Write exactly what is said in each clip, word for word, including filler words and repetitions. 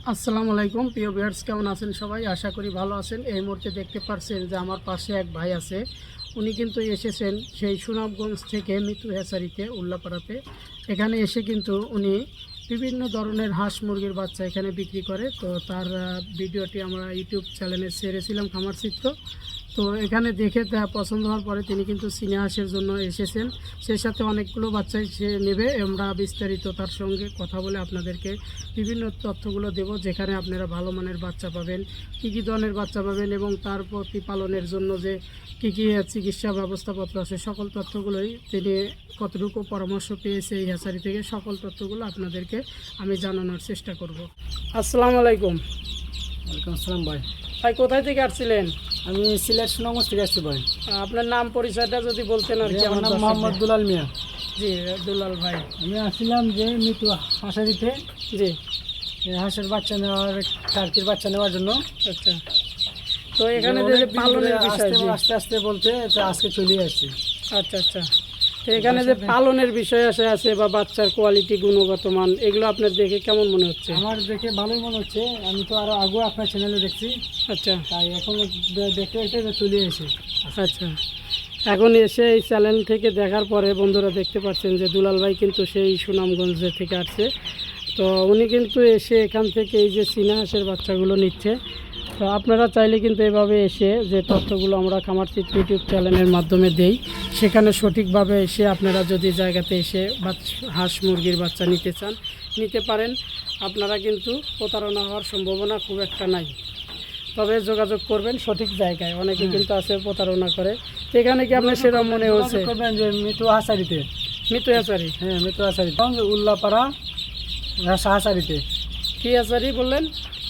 আসসালামু আলাইকুম প্রিয় ভিউয়ার্স, কেমন আছেন সবাই? আশা করি ভালো আছেন। এই মুহূর্তে দেখতে পাচ্ছেন যে আমার পাশে এক ভাই আছে। উনি কিন্তু এসেছেন সেই সুনামগঞ্জ থেকে মিতু হ্যাচারিতে, উল্লাপাড়াতে। এখানে এসে কিন্তু উনি বিভিন্ন ধরনের হাঁস মুরগির বাচ্চা এখানে বিক্রি করে। তো তার ভিডিওটি আমরা ইউটিউব চ্যানেলে ছেড়েছিলাম, খামার চিত্র। তো এখানে দেখে তা পছন্দ হওয়ার পরে তিনি কিন্তু চীনা হাঁসের জন্য এসেছেন। সেই সাথে অনেকগুলো বাচ্চাই সে নেবে। আমরা বিস্তারিত তার সঙ্গে কথা বলে আপনাদেরকে বিভিন্ন তথ্যগুলো দেব, যেখানে আপনারা ভালো মানের বাচ্চা পাবেন, কী কী ধরনের বাচ্চা পাবেন এবং তার প্রতিপালনের জন্য যে কী কী চিকিৎসা ব্যবস্থাপত্র আছে, সকল তথ্যগুলোই তিনি কতটুকু পরামর্শ পেয়েছে এই হ্যাচারি থেকে, সকল তথ্যগুলো আপনাদেরকে আমি জানানোর চেষ্টা করব। আসসালামু আলাইকুম। ওয়ালাইকুম আসসালাম ভাই। ভাই কোথায় থেকে আসছিলেন? আমি সিলেট সুনামগঞ্জ থেকে আসছি ভাই। আপনার নাম পরিচয়টা যদি বলতেন আর কি। আমার নাম মোহাম্মদ দুলাল মিয়া। জি দুলাল ভাই, আমি আসছিলাম যে মিতু হাঁসারিতে জি হাঁসের বাচ্চা নেওয়ার, টার্কির বাচ্চা নেওয়ার জন্য। আচ্ছা, তো এখানে যে যে পালনের বিষয়, জি আস্তে আস্তে বলতে তো আজকে চলে আসছি। আচ্ছা আচ্ছা, তো এখানে যে পালনের বিষয় আছে আছে বা বাচ্চার কোয়ালিটি, গুণগত মান, এগুলো আপনার দেখে কেমন মনে হচ্ছে? আমার দেখে ভালোই মনে হচ্ছে। আমি তো আরও আগে আপনার চ্যানেলে দেখছি, আচ্ছা তাই এখন দেখতে দেখতে চলে এসে। আচ্ছা, এখন এসে এই চ্যানেল থেকে দেখার পরে বন্ধুরা দেখতে পাচ্ছেন যে দুলাল ভাই কিন্তু সেই সুনামগঞ্জ থেকে আসছে। তো উনি কিন্তু এসে এখান থেকে এই যে চীনা হাঁসের বাচ্চাগুলো নিচ্ছে। তো আপনারা চাইলে কিন্তু এভাবে এসে যে তথ্যগুলো আমরা খামার চিত্র ইউটিউব চ্যানেলের মাধ্যমে দেই, সেখানে সঠিকভাবে এসে আপনারা যদি জায়গাতে এসে হাঁস মুরগির বাচ্চা নিতে চান, নিতে পারেন। আপনারা কিন্তু প্রতারণা হওয়ার সম্ভাবনা খুব একটা নাই, তবে যোগাযোগ করবেন সঠিক জায়গায়। অনেকে কিন্তু আছে প্রতারণা করে। তো এখানে কি আপনার সেরকম মনে হচ্ছে? করবেন যে মিতু হাঁসারিতে, মিতু হ্যাচারি, হ্যাঁ মিতু হাঁসারিতে, উল্লাপাড়া হাঁসারিতে। কি হ্যাচারি বললেন?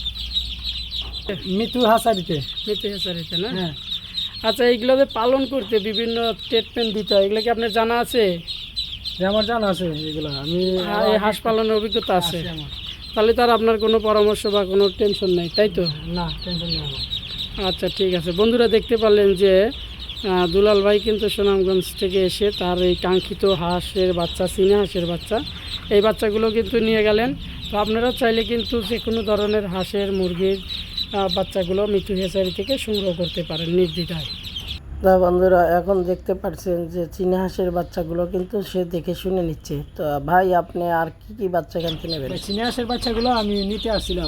মিতু হাঁসারিতে। মিতু হ্যাচারিতে না? হ্যাঁ। আচ্ছা, এইগুলো যে পালন করতে বিভিন্ন ট্রিটমেন্ট দিতে হয়, এগুলো কি আপনার জানা আছে? যে আমার জানা আছে এগুলো, আমি এই হাঁস পালনের অভিজ্ঞতা আছে, আছে আমার। তাহলে তার আপনার কোনো পরামর্শ বা কোনো টেনশন নেই, তাই তো? না, টেনশন নেই আমার। আচ্ছা ঠিক আছে। বন্ধুরা দেখতে পারলেন যে আহ, দুলাল ভাই কিন্তু সুনামগঞ্জ থেকে এসে তার এই কাঙ্ক্ষিত হাঁসের বাচ্চা, চীনা হাঁসের বাচ্চা, এই বাচ্চাগুলো কিন্তু নিয়ে গেলেন। তো আপনারা চাইলে কিন্তু যে কোনো ধরনের হাঁসের, মুরগির আহ, বাচ্চাগুলো মিতু হ্যাচারি থেকে সংগ্রহ করতে পারেন নির্দ্বিধায়। তা বন্ধুরা এখন দেখতে পাচ্ছেন যে চীনা হাঁসের বাচ্চাগুলো কিন্তু সে দেখে শুনে নিচ্ছে। তো ভাই আপনি আর কি কি বাচ্চা কিনতে নেবেন? চীনা হাঁসের বাচ্চাগুলো আমি নিতে আসছিলাম।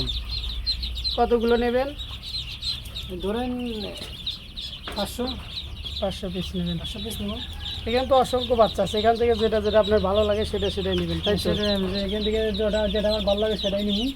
কতগুলো নেবেন? ধরেন পাঁচশো পাঁচশো পিস নেবেন। পাঁচশো পিস নেব। এখানে তো অসংখ্য বাচ্চা আছে, এখান থেকে যেটা যেটা আপনার ভালো লাগে সেটা সেটাই নেবেন, তাই তো? সেটা এখান থেকে যেটা যেটা আমার ভালো লাগে সেটাই নিব।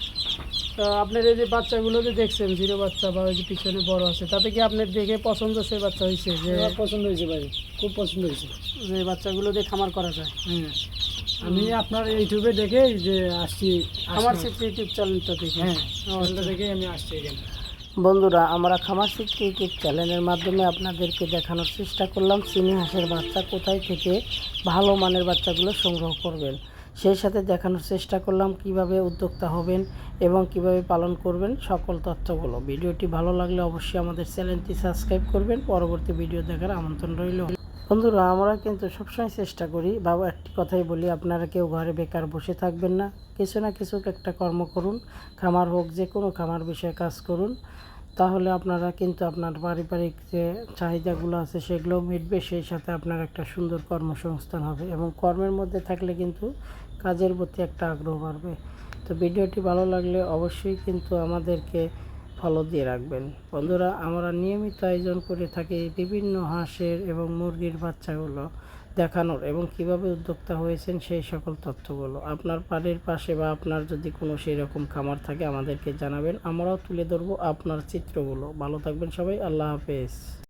তো আপনার এই যে বাচ্চাগুলো যে দেখছেন, জিরো বাচ্চা বা ওই যে পিছনে বড় আছে, তাতে কি আপনার দেখে পছন্দ সেই বাচ্চা হয়েছে যে আমার পছন্দ হয়েছে ভাই, খুব পছন্দ হয়েছে। যে বাচ্চাগুলো দিয়ে খামার করা যায়? হ্যাঁ, আমি আপনার ইউটিউবে দেখে যে আসছি, আমার ইউটিউব চ্যানেলটা দেখে। হ্যাঁ ওটা দেখে আমি আসছি এখানে। বন্ধুরা, আমরা খামার শিখতে ইউটিউব চ্যানেলের মাধ্যমে আপনাদেরকে দেখানোর চেষ্টা করলাম চীনি হাঁসের বাচ্চা কোথায় থেকে ভালো মানের বাচ্চাগুলো সংগ্রহ করবেন। সেই সাথে দেখানোর চেষ্টা করলাম কিভাবে উদ্যোক্তা হবেন এবং কিভাবে পালন করবেন, সকল তথ্যগুলো। ভিডিওটি ভালো লাগলে অবশ্যই আমাদের চ্যানেলটি সাবস্ক্রাইব করবেন। পরবর্তী ভিডিও দেখার আমন্ত্রণ রইল। বন্ধুরা, আমরা কিন্তু সবসময় চেষ্টা করি, বাবা একটি কথাই বলি, আপনারা কেউ ঘরে বেকার বসে থাকবেন না, কিছু না কিছু একটা কর্ম করুন। খামার হোক, যে কোনো খামার বিষয়ে কাজ করুন, তাহলে আপনারা কিন্তু আপনার পারিবারিক যে চাহিদাগুলো আছে সেগুলোও মিটবে। সেই সাথে আপনার একটা সুন্দর কর্মসংস্থান হবে এবং কর্মের মধ্যে থাকলে কিন্তু কাজের প্রতি একটা আগ্রহ বাড়বে। তো ভিডিওটি ভালো লাগলে অবশ্যই কিন্তু আমাদেরকে ফলো দিয়ে রাখবেন। বন্ধুরা, আমরা নিয়মিত আয়োজন করে থাকি বিভিন্ন হাঁসের এবং মুরগির বাচ্চাগুলো দেখানোর এবং কিভাবে উদ্যোক্তা হয়েছেন সেই সকল তথ্যগুলো। আপনার বাড়ির পাশে বা আপনার যদি কোনো সেই রকম খামার থাকে আমাদেরকে জানাবেন, আমরাও তুলে ধরবো আপনার চিত্রগুলো। ভালো থাকবেন সবাই, আল্লাহ হাফেজ।